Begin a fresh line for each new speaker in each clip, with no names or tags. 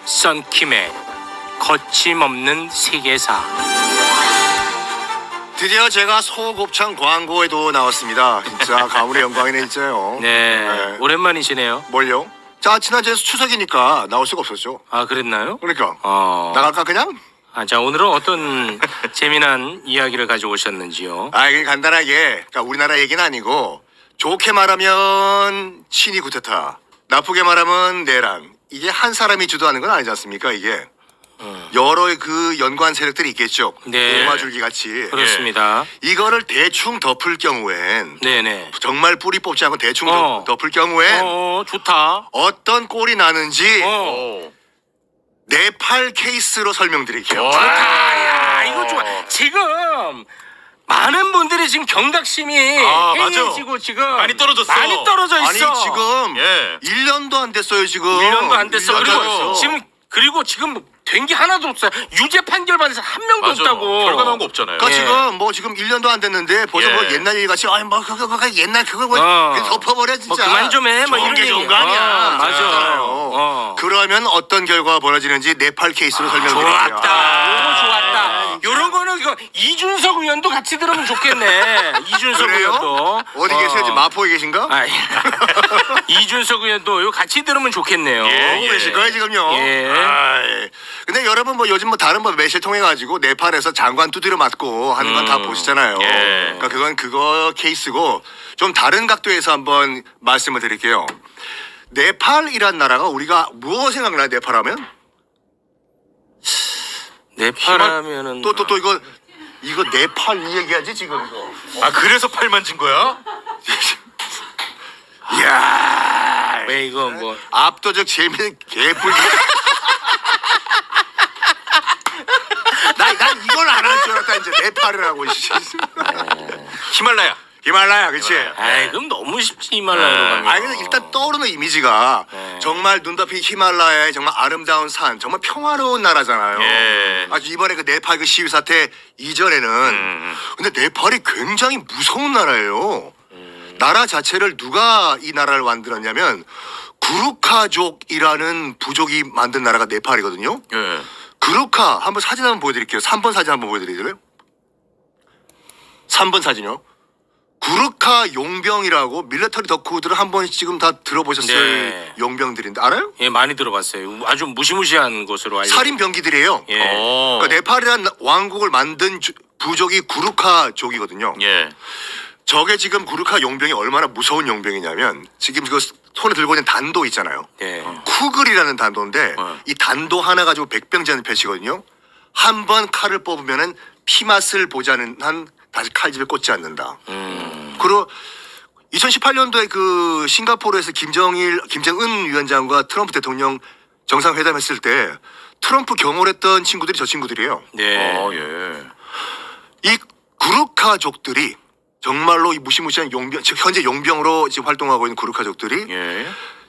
썬킴의 거침없는 세계사.
드디어 제가 소곱창 광고에도 나왔습니다. 진짜 가문의 영광이네 진짜요.
네, 오랜만이시네요.
뭘요? 자, 지난주에 추석이니까 나올 수가 없었죠.
아, 그랬나요?
그러니까 나갈까 그냥?
자, 오늘은 어떤 재미난 이야기를 가져오셨는지요?
이게 간단하게, 그러니까 우리나라 얘기는 아니고 좋게 말하면 친이 구테타, 나쁘게 말하면 내란. 이게 한 사람이 주도하는 건 아니지 않습니까? 이게 여러 그 연관 세력들이 있겠죠.
네.
오마줄기 같이.
그렇습니다.
이거를 대충 덮을 경우엔
네네.
정말 뿌리 뽑지 않고 대충 덮을 경우엔
좋다.
어떤 꼴이 나는지 네팔 케이스로 설명드릴게요.
좋다. 야, 이거 좋아. 지금 많은 분들이 지금 경각심이 해이해지고 지금
많이 떨어졌어.
많이 떨어져 있어.
아니 지금
예.
1년도 안 됐어요 지금.
1년도 안 됐어.
1년도 안 됐어.
그리고 지금 된 게 하나도 없어요. 유죄 판결 받은 사람 한 명도 없다고.
결과 나온 거 없잖아요.
그러니까
예.
지금 뭐 지금 1년도 안 됐는데 벌써
예.
뭐 옛날 얘기 같이 아니 뭐 그거 옛날 그거 뭐 덮어버려 진짜.
뭐 그만 좀 해. 뭐 이런
게
얘기.
좋은 거 아니야.
맞아.
그러면 어떤 결과가 벌어지는지 네팔 케이스로 설명드릴게요.
좋았다. 오고 좋았다. 요런 거는 이거 이준석 의원도 같이 들으면 좋겠네. 이준석
그래요?
의원도.
어디 계세요? 지금 마포에 계신가?
이준석 의원도 이거 같이 들으면 좋겠네요.
보고 계실 거예요 지금요.
예.
아이, 근데 여러분 뭐 요즘 뭐 다른 뭐 매실 통해 가지고 네팔에서 장관 두드려 맞고 하는 건 다 보시잖아요.
예.
그러니까 그건 그거 케이스고 좀 다른 각도에서 한번 말씀을 드릴게요. 네팔이란 나라가 우리가 무엇 생각나요? 네팔하면?
네팔 하면은
또 이거 네팔 이 얘기하지 지금 이거.
아 그래서 팔 만진 거야?
이야.
왜 이거 뭐
압도적 재미는 개뿔기. 난 이걸 안 할 줄 알았다 이제 네팔이라고. 히말라야, 그렇지.
그럼 너무 쉽지 히말라야로 가면.
근데 일단 떠오르는 이미지가 정말 눈 덮인 히말라야의 정말 아름다운 산, 정말 평화로운 나라잖아요.
예.
이번에 그 네팔 그 시위 사태 이전에는 근데 네팔이 굉장히 무서운 나라예요. 나라 자체를 누가 이 나라를 만들었냐면 구루카족이라는 부족이 만든 나라가 네팔이거든요.
예.
구루카 한번 사진 한번 보여드릴게요. 3번 사진 한번 보여드릴래요? 3번 사진요. 구르카 용병이라고 밀리터리 덕후들은 한 번씩 지금 다 들어보셨을
네.
용병들인데 알아요?
예, 많이 들어봤어요. 아주 무시무시한 것으로 알려.
살인병기들이에요.
예.
그러니까 네팔이란 왕국을 만든 부족이 구르카족이거든요.
예.
저게 지금 구르카 용병이 얼마나 무서운 용병이냐면 지금 그 손에 들고 있는 단도 있잖아요.
네.
쿠글이라는 단도인데 이 단도 하나 가지고 백병제하는 패시거든요. 한 번 칼을 뽑으면은 피 맛을 보지 않는 한 다시 칼집에 꽂지 않는다. 그리고 2018년도에 그 싱가포르에서 김정은 위원장과 트럼프 대통령 정상회담했을 때 트럼프 경호를 했던 친구들이 저 친구들이에요.
네.
예.
이 구르카족들이 정말로 이 무시무시한 용병, 즉 현재 용병으로 지금 활동하고 있는 구르카족들이
예.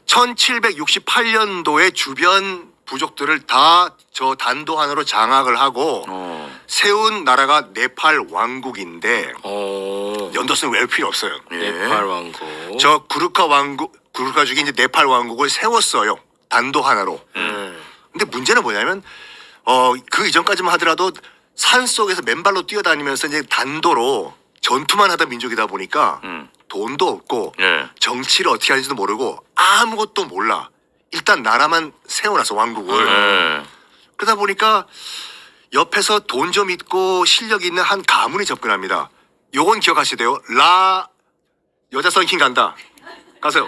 1768년도에 주변 부족들을 다 저 단도 하나로 장악을 하고 세운 나라가 네팔 왕국인데 연도수는 외울 필요 없어요.
네팔 왕국.
저 구르카족이 이제 네팔 왕국을 세웠어요. 단도 하나로. 근데 문제는 뭐냐면 그 이전까지만 하더라도 산 속에서 맨발로 뛰어다니면서 이제 단도로 전투만 하던 민족이다 보니까 돈도 없고
예.
정치를 어떻게 하는지도 모르고 아무것도 몰라. 일단 나라만 세워놔서 왕국을. 그러다 보니까 옆에서 돈 좀 있고 실력 있는 한 가문이 접근합니다. 요건 기억하시대요. 여자 썬킹 간다. 가세요.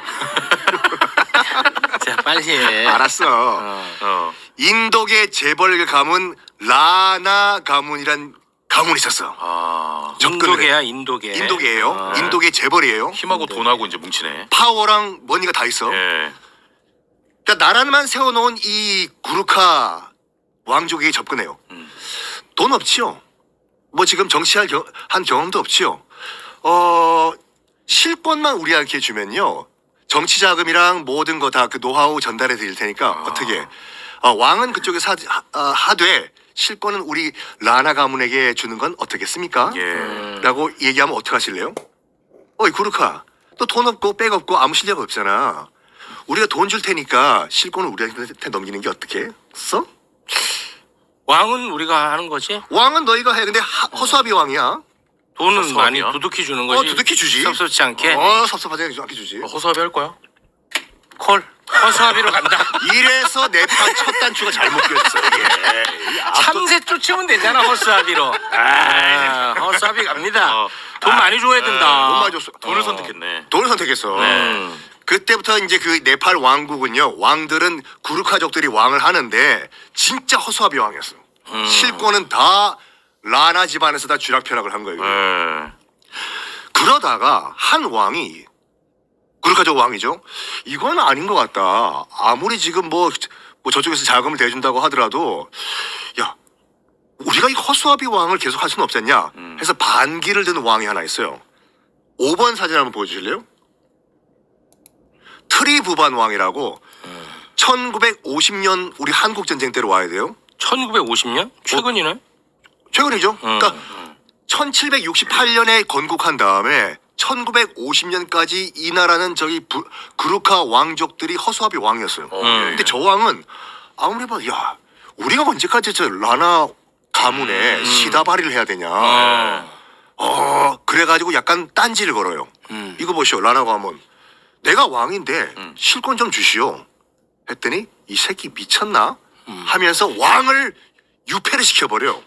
자, 빨리 해.
알았어. 인도계 재벌 가문 라나 가문이란 가문이 있었어.
인도계야, 인도계.
인도계예요. 인도계 재벌이에요.
힘하고 돈하고 이제 뭉치네.
파워랑 머니가 다 있어.
예.
그러니까 나라만 세워놓은 이 구르카 왕족에게 접근해요. 돈 없지요. 뭐 지금 정치할 한 경험도 없지요. 실권만 우리한테 주면요. 정치 자금이랑 모든 거 다 그 노하우 전달해 드릴 테니까 어떻게 왕은 그쪽에 하되 실권은 우리 라나 가문에게 주는 건 어떻겠습니까?
예.
라고 얘기하면 어떡하실래요? 어이 구르카 너 돈 없고 백 없고 아무 실력 없잖아. 우리가 돈 줄 테니까 실권을 우리한테 넘기는 게 어떻게? 써?
왕은 우리가 하는 거지?
왕은 너희가 해. 근데 허수아비 왕이야.
돈은
허수아비야?
많이 두둑히 주는 거지.
두둑히 주지.
섭섭지 않게.
섭섭하지 않게 주지.
허수아비 할 거야?
콜. 허수아비로 간다.
이래서 네팔 첫 단추가 잘못 꼈어. 이게.
참새 쫓으면 되잖아 허수아비로. 허수아비 갑니다. 돈 많이 줘야 된다.
돈 많이 줬어.
돈을 선택했네.
돈을 선택했어. 그때부터 이제 그 네팔 왕국은요. 왕들은 구르카족들이 왕을 하는데 진짜 허수아비 왕이었어. 실권은 다 라나 집안에서 다 쥐락펴락을 한 거예요.
네.
그러다가 한 왕이 구르카족 왕이죠. 이건 아닌 것 같다. 아무리 지금 뭐 저쪽에서 자금을 대준다고 하더라도 야 우리가 이 허수아비 왕을 계속 할 수는 없잖냐 해서 반기를 드는 왕이 하나 있어요. 5번 사진 한번 보여주실래요? 트리부반 왕이라고 1950년 우리 한국 전쟁 때로 와야 돼요.
1950년? 최근이네.
최근이죠. 그러니까 1768년에 건국한 다음에 1950년까지 이 나라는 저기 구르카 왕족들이 허수아비 왕이었어요. 근데 저 왕은 아무리 봐도 야 우리가 언제까지 저 라나 가문에 시다바리를 해야 되냐. 그래가지고 약간 딴지를 걸어요. 이거 보시오 라나 가문. 내가 왕인데 실권 좀 주시오. 했더니 이 새끼 미쳤나? 하면서 왕을 유패를 시켜버려.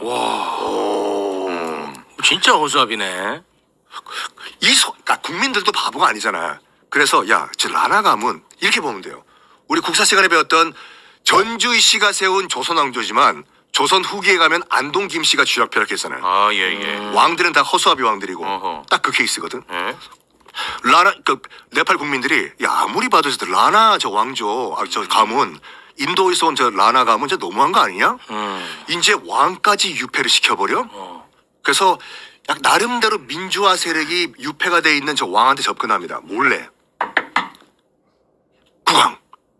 진짜 허수아비네.
그러니까 국민들도 바보가 아니잖아. 그래서 야, 저 라나 가문 이렇게 보면 돼요. 우리 국사 시간에 배웠던 전주희 씨가 세운 조선 왕조지만 조선 후기에 가면 안동 김 씨가 쥐락펴락했잖아요.
아, 예.
왕들은 다 허수아비 왕들이고
어허.
딱 그 케이스거든.
예?
라나 그 네팔 국민들이 야 아무리 봐도 저 라나 저 왕조 저 가문 인도에서 온 저 라나 가문 저 너무한 거 아니냐? 이제 왕까지 유패를 시켜버려. 그래서 약 나름대로 민주화 세력이 유패가 돼 있는 저 왕한테 접근합니다. 몰래. 국왕.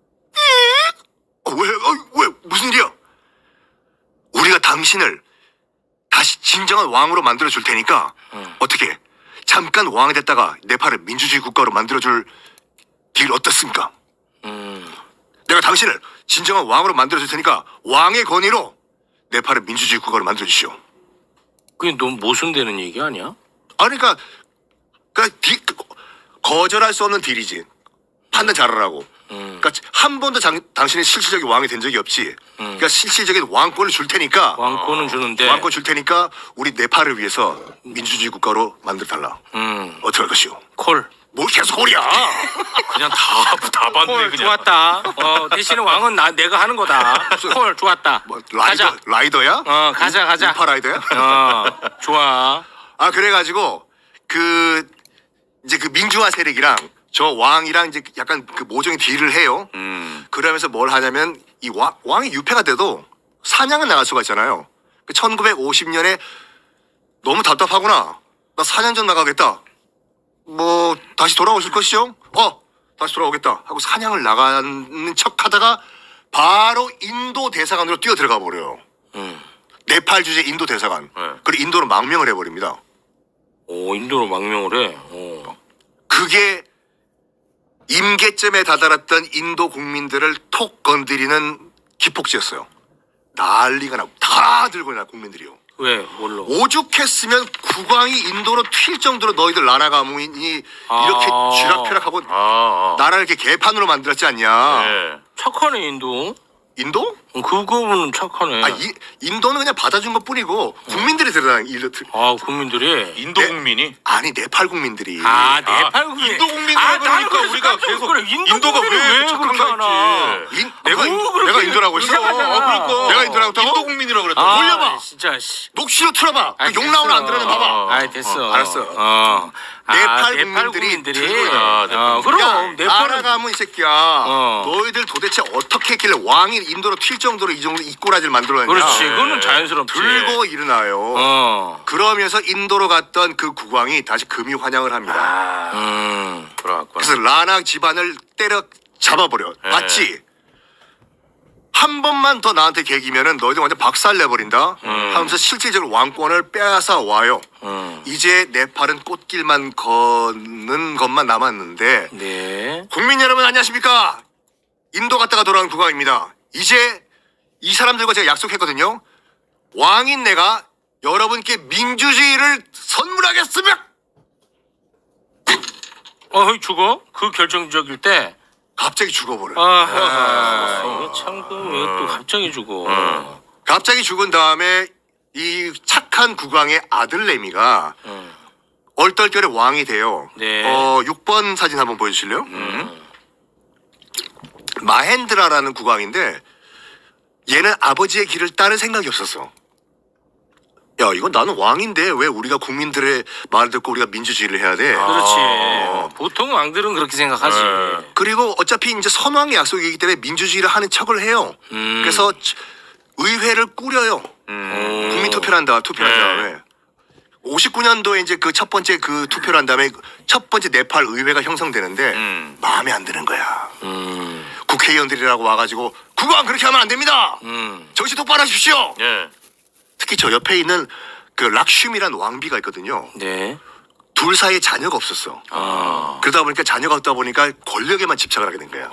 왜 무슨 일이야? 우리가 당신을 다시 진정한 왕으로 만들어 줄 테니까 어떻게 잠깐 왕이 됐다가 네팔을 민주주의 국가로 만들어 줄 길 어떻습니까? 내가 당신을 진정한 왕으로 만들어 줄 테니까 왕의 권위로 네팔을 민주주의 국가로 만들어 주시오.
그게 너무 모순되는 얘기 아니야?
아니 그러니까 거절할 수 없는 딜이지. 판단 잘하라고. 그러니까 한 번도 당신이 실질적인 왕이 된 적이 없지. 그러니까 실질적인 왕권을 줄 테니까
왕권은 주는데.
왕권 줄 테니까 우리 네팔을 위해서 민주주의 국가로 만들어 달라. 어떻게 할 것이오?
콜.
뭘 계속 콜이야?
그냥 다 받네,
콜
그냥.
좋았다. 대신에 왕은 내가 하는 거다. 콜 좋았다.
뭐,
가자.
라이더야?
가자.
우파 라이더야?
좋아.
아 그래가지고 이제 그 민주화 세력이랑 저 왕이랑 이제 약간 그 모종의 딜을 해요. 그러면서 뭘 하냐면 이 왕이 유패가 돼도 사냥은 나갈 수가 있잖아요. 1950년에 너무 답답하구나. 나 사냥 좀 나가겠다. 뭐 다시 돌아오실 것이죠? 다시 돌아오겠다 하고 사냥을 나가는 척하다가 바로 인도 대사관으로 뛰어 들어가 버려요. 네팔 주재 인도 대사관. 그리고 인도로 망명을 해버립니다.
오 인도로 망명을 해.
그게 임계점에 다다랐던 인도 국민들을 톡 건드리는 기폭제였어요. 난리가 나고 다 들고 나 국민들이요.
왜 뭘로?
오죽했으면 국왕이 인도로 튈 정도로 너희들 나라 가문이 이렇게 쥐락펴락하고 나라를 이렇게 개판으로 만들었지 않냐.
예.
착하네 인도.
인도?
그거는 착하네.
인도는 그냥 받아준 것 뿐이고 국민들이 드러난 일들.
국민들이.
인도
네.
국민이?
아니 네팔 국민들이.
네팔 국민.
인도 국민이라 그러니까 우리가 계속 인도가 왜 착한
그렇게 하나?
거지?
내가 인도라고 했어.
그러니까.
내가 인도라고 했다고?
인도 국민이라 그랬다.
돌려봐.
진짜.
녹취로 틀어봐. 욕 나오는 안 들으면 봐봐.
됐어.
알았어. 네팔 국민들이
그럼
나라
네팔은
가문 이 새끼야. 너희들 도대체 어떻게 했길래 왕이 인도로 튈 정도로 이 정도 이꼬라지를 만들어냈냐.
그렇지. 그거는 자연스럽지.
들고 일어나요. 그러면서 인도로 갔던 그 국왕이 다시 금이 환영을 합니다.
그래갖고.
그래서 라나 집안을 때려 잡아버려. 맞지? 한 번만 더 나한테 개기면은 너희들 완전 박살 내버린다 하면서 실질적으로 왕권을 빼앗아 와요. 이제 네팔은 꽃길만 걷는 것만 남았는데
네.
국민 여러분 안녕하십니까? 인도 갔다가 돌아온 국왕입니다. 이제 이 사람들과 제가 약속했거든요. 왕인 내가 여러분께 민주주의를 선물하겠습니다.
죽어? 그 결정적일 때.
갑자기 죽어버려.
이거 참, 왜 또 갑자기 죽어.
갑자기 죽은 다음에 이 착한 국왕의 아들 레미가 얼떨결에 왕이 돼요.
네.
6번 사진 한번 보여주실래요? 마헨드라라는 국왕인데 얘는 아버지의 길을 따를 생각이 없었어. 야, 이건 나는 왕인데 왜 우리가 국민들의 말을 듣고 우리가 민주주의를 해야 돼?
그렇지. 보통 왕들은 그렇게 생각하지.
그리고 어차피 이제 선왕의 약속이기 때문에 민주주의를 하는 척을 해요. 그래서 의회를 꾸려요. 국민 투표를 한 다음에 59년도에 이제 그 첫 번째 그 투표를 한 다음에 첫 번째 네팔 의회가 형성되는데 마음에 안 드는 거야. 국회의원들이라고 와가지고 국왕 그렇게 하면 안 됩니다. 정신 똑바로 하십시오.
예.
특히 저 옆에 있는 그 락슈미란 왕비가 있거든요.
네.
둘 사이에 자녀가 없었어. 그러다 보니까 자녀가 없다 보니까 권력에만 집착을 하게 된 거야.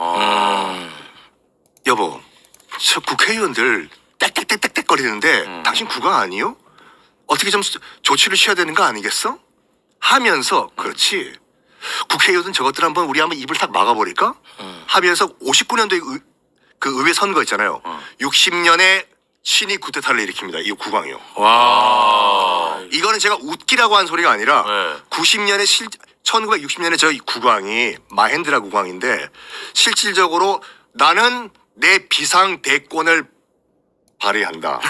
여보, 저 국회의원들 땡땡땡땡땡 거리는데 당신 국왕 아니요? 어떻게 좀 조치를 취해야 되는 거 아니겠어? 하면서 그렇지. 국회의원은 저것들 한번 입을 탁 막아버릴까? 하면서 59년도에 그 의회 선거 있잖아요. 60년에 친위 쿠데타를 일으킵니다. 이 국왕이요.
와.
이거는 제가 웃기라고 한 소리가 아니라
네.
1960년에 저희 국왕이 마헨드라 국왕인데 실질적으로 나는 내 비상 대권을 발휘한다.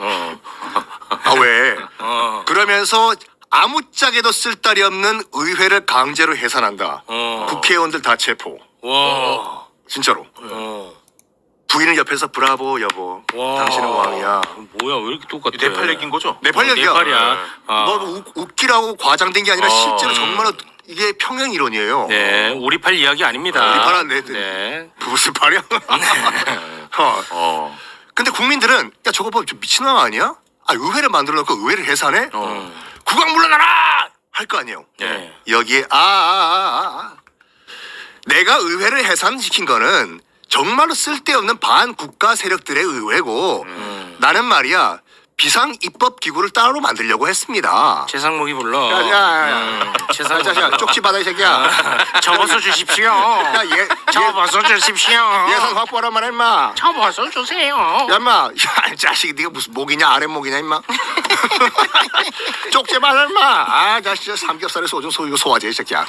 왜? 그러면서 아무짝에도 쓸데리 없는 의회를 강제로 해산한다. 국회의원들 다 체포.
와.
진짜로. 부인을 옆에서 브라보 여보. 당신은 왕이야.
뭐야, 왜 이렇게 똑같아?
네팔 얘기인 거죠?
네팔 얘기야.
네팔이야.
뭐 웃기라고 과장된 게 아니라 실제로 정말로 이게 평행 이론이에요.
네, 우리팔 이야기 아닙니다.
우리팔 네.
네.
무슨 말이야? 근데 국민들은 야 저거 봐, 좀 미친놈 아니야? 의회를 만들어 놓고 의회를 해산해? 국왕 물러나라! 할 거 아니에요.
네.
여기에 내가 의회를 해산시킨 거는 정말로 쓸데없는 반국가 세력들의 의회고 나는 말이야 비상 입법 기구를 따로 만들려고 했습니다.
최상목이 불러.
야,
최상목.
쪽지 받아 이 새끼야.
접어서 주십시오.
야,
접어서 주십시오.
예산 확보하란 말이야 임마.
접어서 주세요.
야 임마, 야 이 자식이 네가 무슨 목이냐 아랫목이냐 임마. 쪽지 받아 임마. 자 진짜 삼겹살에 소주 소유 소화제 이 새끼야.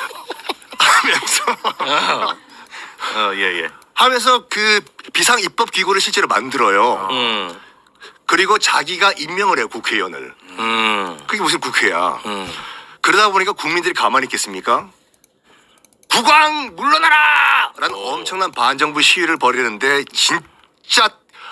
예.
하면서 그 비상 입법 기구를 실제로 만들어요. 그리고 자기가 임명을 해요 국회의원을. 그게 무슨 국회야. 그러다 보니까 국민들이 가만히 있겠습니까? 국왕 물러나라! 라는 엄청난 반정부 시위를 벌이는데 진짜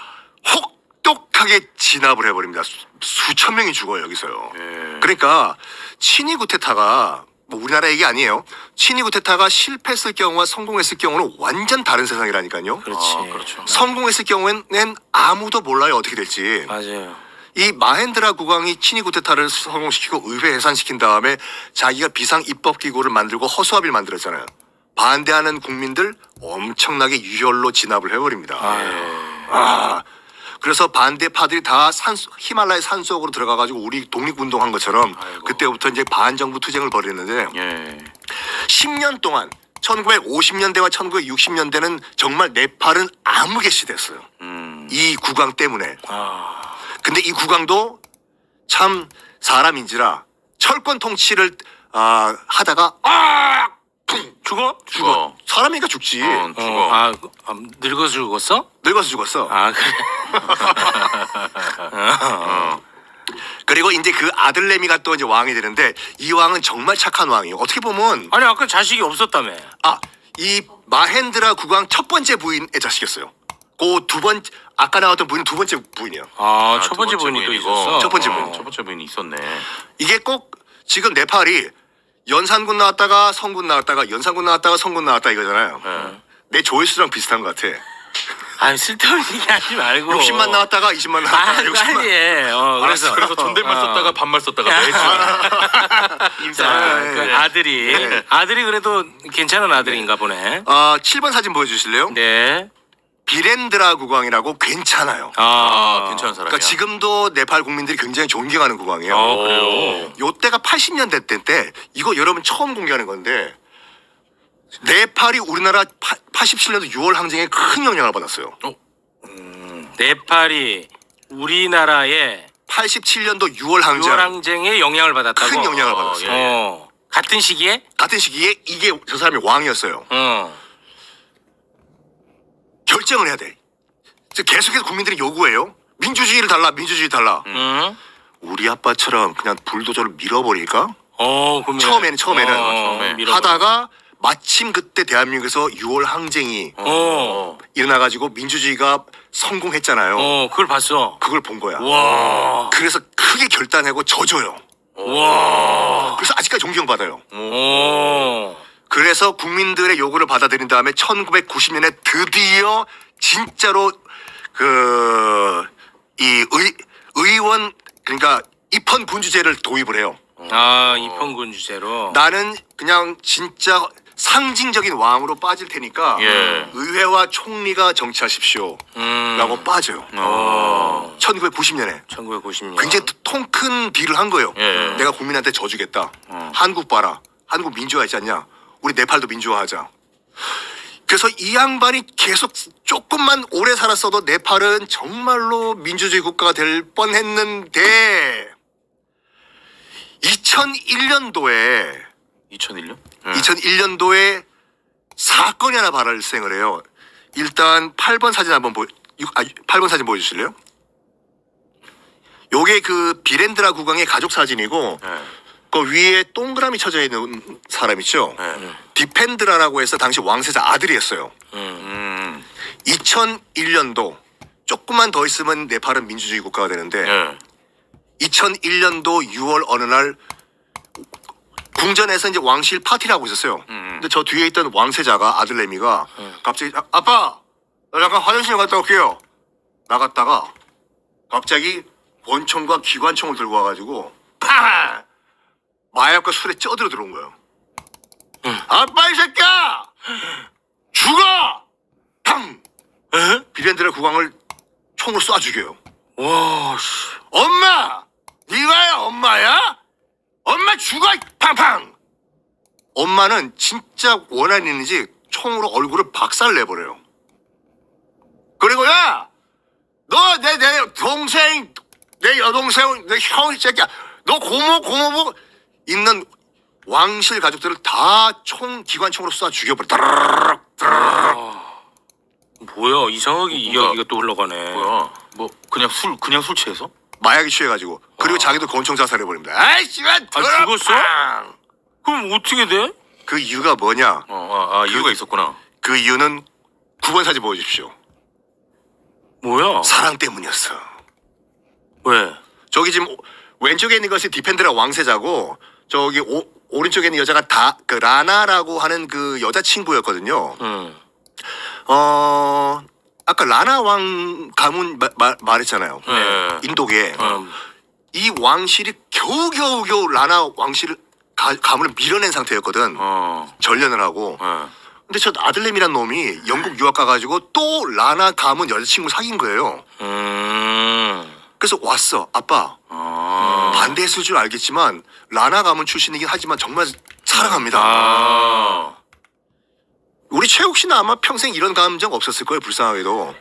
혹독하게 진압을 해버립니다. 수천 명이 죽어요 여기서요. 그러니까 친위 쿠데타가 뭐 우리나라 얘기 아니에요. 친위 쿠데타가 실패했을 경우와 성공했을 경우는 완전 다른 세상이라니까요.
그렇지.
그렇죠.
성공했을 경우에는 아무도 몰라요 어떻게 될지.
맞아요.
이 마헨드라 국왕이 친위 쿠데타를 성공시키고 의회 해산시킨 다음에 자기가 비상 입법 기구를 만들고 허수아비를 만들었잖아요. 반대하는 국민들 엄청나게 유혈로 진압을 해버립니다. 그래서 반대파들이 다 히말라야 산속으로 들어가가지고 우리 독립운동한 것처럼 그때부터 이제 반정부 투쟁을 벌였는데
예.
10년 동안 1950년대와 1960년대는 정말 네팔은 암흑의시됐어요. 이 국왕 때문에. 근데 이 국왕도 참 사람인지라 철권 통치를 하다가
죽어?
사람이니까 죽지.
죽어.
늙어서 죽었어?
늙어서 죽었어.
그래.
그리고 이제 그 아들 레미가 또 이제 왕이 되는데 이 왕은 정말 착한 왕이에요. 어떻게 보면
아니, 아까 자식이 없었다며.
이 마헨드라 국왕 첫 번째 부인의 자식이었어요. 그 아까 나왔던 부인 두 번째 부인이에요.
첫 번째 부인이 또 있었어?
첫 번째 부인.
첫 번째 부인이 있었네.
이게 꼭 지금 네팔이 연산군 나왔다가 성군 나왔다가 연산군 나왔다가 성군 나왔다 이거잖아요. 내 조회수랑 비슷한 것 같아.
아 쓸데없는 얘기 하지 말고
60만 나왔다가 20만 나왔다가 60만.
빨리 해.
그래서 존댓말 썼다가 반말 썼다가 매주.
자,
네,
그
네.
아들이
네.
아들이 그래도 괜찮은 아들인가 보네.
7번 사진 보여주실래요?
네.
비렌드라 국왕이라고 괜찮아요.
괜찮은 사람이야.
그러니까 지금도 네팔 국민들이 굉장히 존경하는 국왕이에요.
그래요.
요때가 80년대 때 이거 여러분 처음 공개하는 건데 네팔이 우리나라 87년도 6월 항쟁에 큰 영향을 받았어요.
네팔이 우리나라의
87년도 6월 항쟁
유월항쟁에 영향을 받았다고.
큰 영향을 받았어요.
같은 시기에?
같은 시기에 이게 저 사람이 왕이었어요. 결정을 해야 돼. 계속해서 국민들이 요구해요. 민주주의를 달라, 민주주의 달라. 우리 아빠처럼 그냥 불도저를 밀어버릴까?
그러면
처음에는
밀어버려.
하다가 마침 그때 대한민국에서 6월 항쟁이 일어나가지고 민주주의가 성공했잖아요.
그걸 봤어.
그걸 본 거야.
와.
그래서 크게 결단하고 져줘요.
와.
그래서 아직까지 존경받아요.
오.
그래서 국민들의 요구를 받아들인 다음에 1990년에 드디어 진짜로 이 의원 그러니까 입헌 군주제를 도입을 해요.
입헌군 주제로.
나는 그냥 진짜 상징적인 왕으로 빠질 테니까
예.
의회와 총리가 정치하십시오. 라고 빠져요. 1990년에.
1990년.
굉장히 통 큰 딜을 한 거예요.
예.
내가 국민한테 져주겠다. 한국 봐라. 한국 민주화하지 않냐. 우리 네팔도 민주화하자. 그래서 이 양반이 계속 조금만 오래 살았어도 네팔은 정말로 민주주의 국가가 될 뻔했는데 2001년도에
2001년?
2001년도에 사건이 하나 발생을 해요. 일단 8번 사진 한번 8번 사진 보여주실래요? 요게 그 비렌드라 국왕의 가족 사진이고 그 위에 동그라미 쳐져 있는 사람 있죠? 디펜드라라고 해서 당시 왕세자 아들이었어요. 2001년도 조금만 더 있으면 네팔은 민주주의 국가가 되는데 2001년도 6월 어느 날 궁전에서 이제 왕실 파티를 하고 있었어요. 근데 저 뒤에 있던 왕세자가 아들내미가 갑자기 아빠 나 잠깐 화장실 갔다 올게요. 나갔다가 갑자기 권총과 기관총을 들고 와가지고 팡! 마약과 술에 쪄들어 들어온 거예요. 아빠 이 새끼야! 죽어! 탕! 비렌드라 국왕을 총으로 쏴 죽여요.
와, 씨.
엄마! 네가 엄마야? 엄마 죽어! 팡팡! 엄마는 진짜 원한이 있는지 총으로 얼굴을 박살 내버려요. 그리고 야! 너 내 동생, 내 여동생, 내 형, 이 새끼야. 너 고모부 있는 왕실 가족들을 다 기관총으로 쏴 죽여버려.
뭐야 이상하게 이야기가 또 흘러가네.
뭐야? 뭐 그냥 술 취해서?
마약이 취해가지고. 그리고 자기도 권총 자살해버립니다. 아이, 씨발!
죽었어? 그럼 어떻게 돼?
그 이유가 뭐냐?
이유가 있었구나.
그 이유는 9번 사진 보여주십시오.
뭐야?
사랑 때문이었어.
왜?
저기 지금 왼쪽에 있는 것이 디펜드라 왕세자고 저기 오른쪽에 있는 여자가 그 라나라고 하는 그 여자친구였거든요. 아까 라나 왕 가문 말했잖아요.
네.
인도계. 이 왕실이 겨우 라나 왕실을 가문을 밀어낸 상태였거든. 전련을 하고. 근데 저 아들내미란 놈이 영국 유학 가가지고 또 라나 가문 여자친구 사귄 거예요. 그래서 왔어. 아빠. 반대했을 줄 알겠지만 라나 가문 출신이긴 하지만 정말 사랑합니다. 우리 최욱 씨는 아마 평생 이런 감정 없었을 거예요. 불쌍하게도.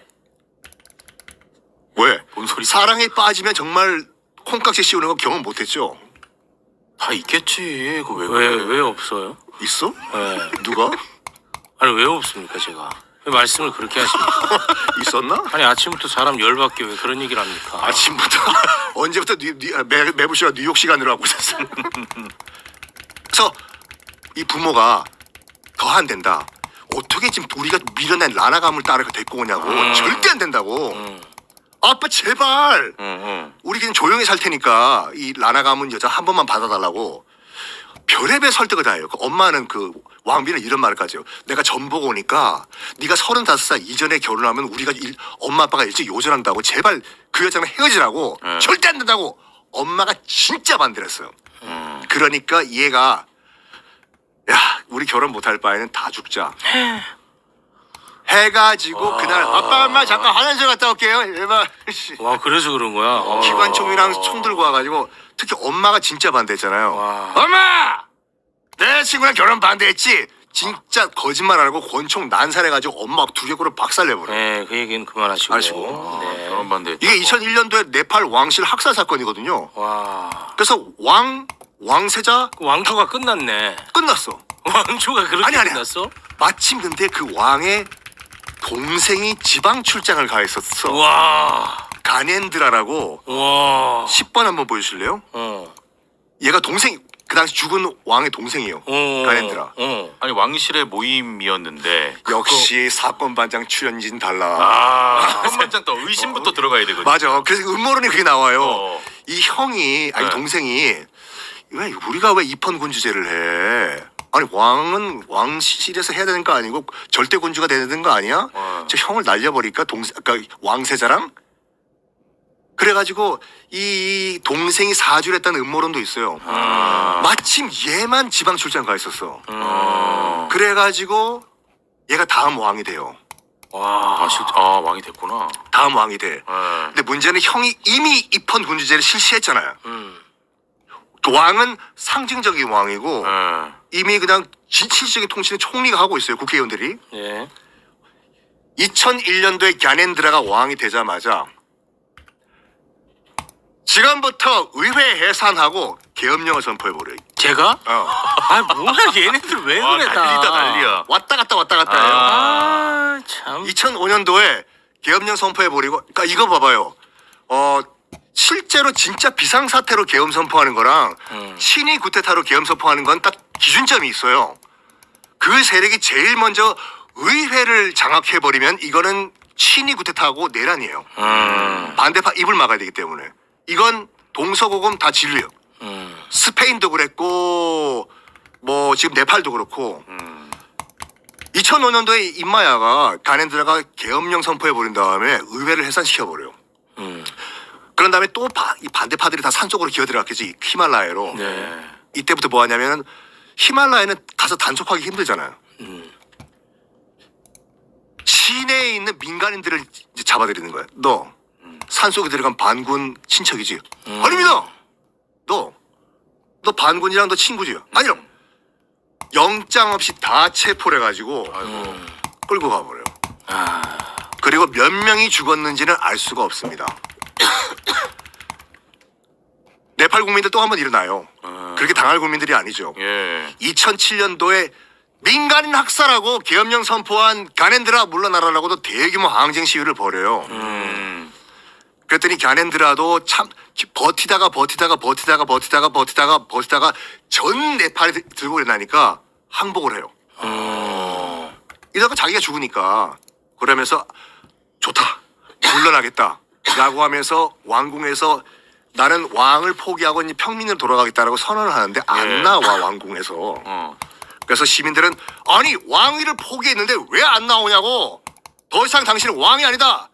왜?
뭔 소리?
사랑에 빠지면 정말 콩깍지 씌우는 거 경험 못했죠?
다 있겠지. 그거 왜
왜 없어요?
있어?
네.
누가?
아니 왜 없습니까 제가? 왜 말씀을 그렇게 하십니까?
있었나?
아니 아침부터 사람 열받게 왜 그런 얘기를 합니까?
아침부터 언제부터 매부쇼가 뉴욕 시간으로 하고 있었어. 그래서 이 부모가 더 안 된다. 어떻게 지금 우리가 밀어낸 라나 가문을 따라 데리고 오냐고. 절대 안 된다고. 아빠 제발. 우리 그냥 조용히 살 테니까 이 라나 가문 여자 한 번만 받아달라고. 별의별 설득을 다 해요. 그 엄마는 그 왕비는 이런 말을까지 해요. 내가 전보고 오니까 네가 35살 이전에 결혼하면 우리가 엄마 아빠가 일찍 요절한다고 제발 그 여자랑 헤어지라고 절대 안 된다고 엄마가 진짜 반대를 했어요. 그러니까 얘가 야 우리 결혼 못할 바에는 다 죽자 해가지고 그날 아빠 엄마 잠깐 화장실 갔다 올게요. 일반
와 그래서 그런 거야.
기관총이랑 총 들고 와가지고 특히 엄마가 진짜 반대했잖아요.
와.
엄마! 내 친구랑 결혼 반대했지? 진짜 거짓말 안 하고 권총 난살해가지고 엄마 두개골을 박살내버려.
네, 그 얘기는 그만하시고.
아시고.
네.
결혼 반대.
이게 2001년도에 네팔 왕실 학살 사건이거든요.
와.
그래서 왕세자
그 왕조가 끝났네.
끝났어.
왕조가 그렇게
아니.
끝났어?
마침 근데 그 왕의 동생이 지방 출장을 가 있었어.
와.
가넨드라라고
와.
10번 한번 보여주실래요? 얘가 동생 그 당시 죽은 왕의 동생이에요. 가넨드라.
아니 왕실의 모임이었는데
역시 사건 반장 출연진 달라.
한번장 또 의심부터 들어가야 되거든.
맞아. 그래서 음모론이 그게 나와요. 이 형이 아니
네.
동생이 왜 우리가 왜 입헌군주제를 해? 아니 왕은 왕실에서 해야 되는 거 아니고 절대 군주가 되는 거 아니야? 저 형을 날려버릴까 그러니까 왕세자랑? 그래가지고 이 동생이 사주를 했다는 음모론도 있어요. 마침 얘만 지방 출장 가 있었어. 그래가지고 얘가 다음 왕이 돼요.
와, 왕이 됐구나.
다음 왕이 돼. 근데 문제는 형이 이미 입헌 군주제를 실시했잖아요. 그 왕은 상징적인 왕이고 이미 그냥 실질적인 통치는 총리가 하고 있어요. 국회의원들이.
예.
2001년도에 갸넨드라가 왕이 되자마자 지금부터 의회 해산하고 계엄령을 선포해버려요.
제가? 아 뭐야 얘네들 왜 그래 다.
난리야.
왔다 갔다 해요.
아 참.
2005년도에 계엄령 선포해버리고 그러니까 이거 봐봐요. 실제로 진짜 비상사태로 계엄 선포하는 거랑 친위 구테타로 계엄 선포하는 건 딱 기준점이 있어요. 그 세력이 제일 먼저 의회를 장악해버리면 이거는 친위 구테타하고 내란이에요. 반대파 입을 막아야 되기 때문에. 이건 동서고금 다 진리예요. 스페인도 그랬고 뭐 지금 네팔도 그렇고 2005년도에 임마야가 가넨드라가 계엄령 선포해버린 다음에 의회를 해산시켜버려요. 그런 다음에 또 이 반대파들이 다 산속으로 기어들어갔겠지. 히말라야로.
네.
이때부터 뭐 하냐면 히말라야는 가서 단속하기 힘들잖아요. 시내에 있는 민간인들을 이제 잡아들이는 거야. 너 산속에 들어간 반군 친척이지? 아닙니다. 너 반군이랑 너 친구지? 아니요. 영장 없이 다 체포를 해가지고 끌고 가버려요. 그리고 몇 명이 죽었는지는 알 수가 없습니다. 네팔 국민들 또 한 번 일어나요. 그렇게 당할 국민들이 아니죠.
예.
2007년도에 민간인 학살하고 계엄령 선포한 가넨드라 물러나라라고도 대규모 항쟁 시위를 벌여요. 그랬더니 가넨드라도 참 버티다가 전 네팔이 들고 일어나니까 항복을 해요. 이러다가 자기가 죽으니까 그러면서 좋다 물러나겠다 라고 하면서 왕궁에서 나는 왕을 포기하고 이제 평민으로 돌아가겠다라고 선언을 하는데 안 나와 왕궁에서. 그래서 시민들은 아니 왕위를 포기했는데 왜 안 나오냐고. 더 이상 당신은 왕이 아니다.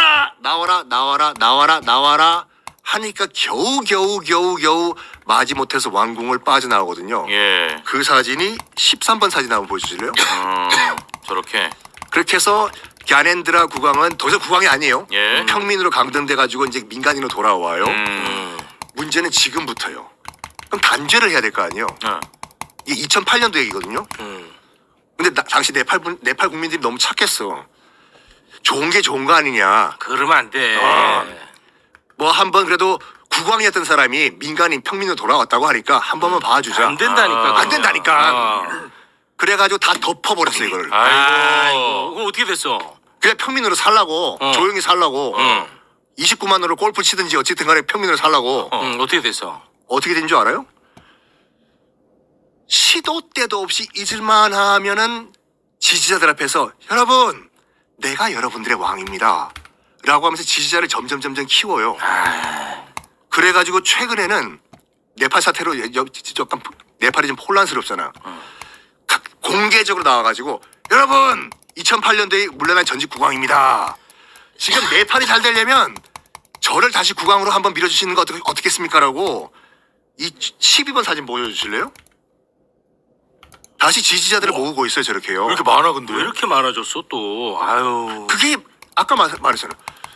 나와라 하니까 겨우 마지못해서 왕궁을 빠져나오거든요.
예.
그 사진이 13번 사진 한번 보여주실래요?
저렇게.
그렇게 해서 갸넨드라 국왕은 더 이상 국왕이 아니에요.
예.
평민으로 강등돼가지고 이제 민간인으로 돌아와요. 문제는 지금부터요. 그럼 단죄를 해야 될 거 아니에요. 이게 2008년도 얘기거든요. 근데 당시 네팔 국민들이 너무 착했어. 좋은 게 좋은 거 아니냐.
그러면 안 돼.
뭐 한번 그래도 국왕이었던 사람이 민간인 평민으로 돌아왔다고 하니까 한 번만 봐주자.
안 된다니까.
안 된다니까. 그래가지고 다 덮어버렸어 이걸.
아이고. 그거 어떻게 됐어?
그냥 평민으로 살라고 조용히 살라고 29만으로 골프 치든지 어쨌든 간에 평민으로 살라고
어떻게 됐어?
어떻게 된 줄 알아요? 시도 때도 없이 잊을만 하면은 지지자들 앞에서 여러분 내가 여러분들의 왕입니다 라고 하면서 지지자를 점점 키워요. 그래가지고 최근에는 네팔 사태로 약간 네팔이 좀 혼란스럽잖아. 공개적으로 나와가지고 여러분 2008년도에 물러난 전직 국왕입니다. 지금 네팔이 잘 되려면 저를 다시 국왕으로 한번 밀어주시는 거 어떻겠습니까라고 이 12번 사진 보여주실래요? 다시 지지자들을 모으고 있어요 저렇게요.
왜 이렇게 많아 근데?
왜 이렇게 많아졌어 또? 아유.
그게 아까 말했잖아.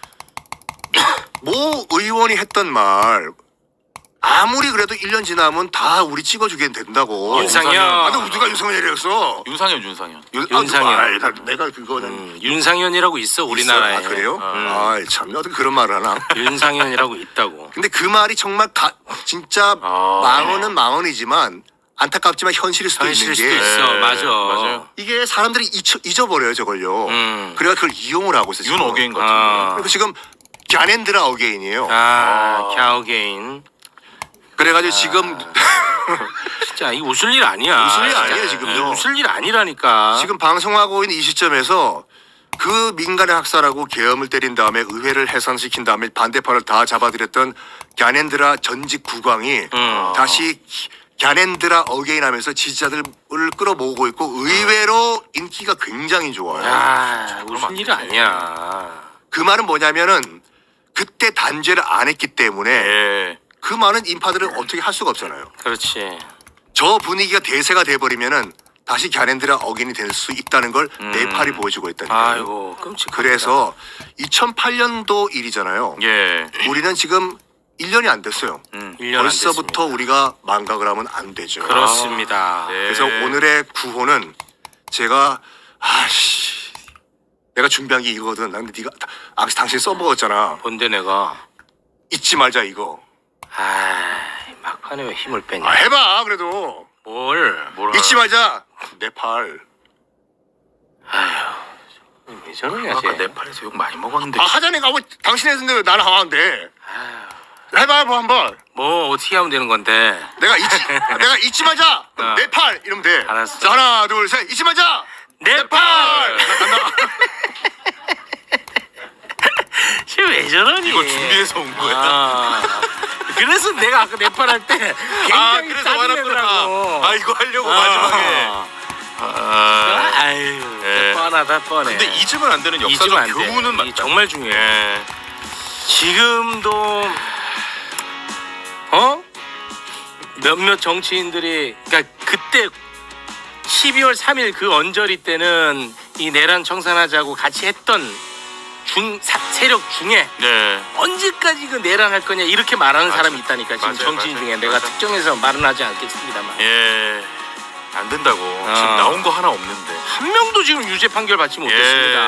모 의원이 했던 말 아무리 그래도 1년 지나면 다 우리 찍어주게 된다고.
윤상현.
아, 너 누가 윤상현이랬어?
윤상현.
윤상현.
내가 그거는
윤상현이라고 있어 우리나라에.
아 그래요? 아 참 어떻게 그런 말을 하나?
윤상현이라고 있다고.
근데 그 말이 정말 진짜 망언은 망언이지만 안타깝지만 현실일 수도
현실일
있는
수도
게
있어. 맞아.
맞아요.
이게 사람들이 잊어버려요 저걸요. 그래가 그걸 이용을 하고 있어요.
윤
지금.
어게인 같은데.
그리고 지금 갸넨드라 어게인이에요.
갸오게인.
그래가지고 지금
진짜 이 웃을 일 아니야.
웃을 일
진짜.
아니에요, 지금요.
웃을 일 아니라니까.
지금 방송하고 있는 이 시점에서 그 민간의 학살하고 계엄을 때린 다음에 의회를 해산시킨 다음에 반대파를 다 잡아들였던 갸넨드라 전직 국왕이 다시 갸넨드라 어게인 하면서 지지자들을 끌어모으고 있고 의외로 인기가 굉장히 좋아요.
야, 웃을 일 아니야.
그 말은 뭐냐면은 그때 단죄를 안 했기 때문에
예.
그 많은 인파들을 어떻게 할 수가 없잖아요.
그렇지.
저 분위기가 대세가 돼버리면은 다시 갸넨드라 어게인이 될 수 있다는 걸 네팔이 보여주고 있다니까요.
아이고 끔찍하다.
그래서 2008년도 일이잖아요.
예.
우리는 지금 1년이 안 됐어요.
1년 안
벌써부터
됐습니다.
우리가 망각을 하면 안 되죠.
그렇습니다.
네.
그래서 오늘의 구호는 제가 내가 준비한 게 이거거든. 근데 네가 당신 써먹었잖아.
뭔데 내가.
잊지 말자 이거.
막판에 왜 힘을 빼냐.
해봐 그래도.
뭘.
잊지 말자. 네팔.
왜 저러냐
아까
쟤.
네팔에서 욕 많이 먹었는데.
하자니까 왜 당신 했는데 왜 나는 하면 안 돼. 해봐 한번.
뭐 어떻게 하면 되는 건데.
내가 잊지 말자.
어.
네팔 이러면 돼.
알았어.
자, 하나 둘 셋. 잊지 말자.
네팔. 쟤왜 저러니.
이거 준비해서 온 거야.
그래서 내가 아까 네팔 할 때 굉장히
그래서
짜증내더라고.
아 이거 하려고 마지막에.
아유
예.
뻔하다 뻔해.
근데 잊으면 안 되는
잊으면
역사적
안 돼.
교훈은
이게
맞다.
정말 중요해.
예.
지금도 몇몇 정치인들이 그러니까 그때 12월 3일 그 언저리 때는 이 내란 청산하자고 같이 했던 세력 중에
네.
언제까지 그 내란할 거냐 이렇게 말하는
맞아.
사람이 있다니까 지금
맞아요,
정치인
맞아요.
중에 내가
맞아.
특정해서 말은 하지 않겠습니다만
예. 안 된다고. 지금 나온 거 하나 없는데.
한 명도 지금 유죄 판결 받지 못했습니다.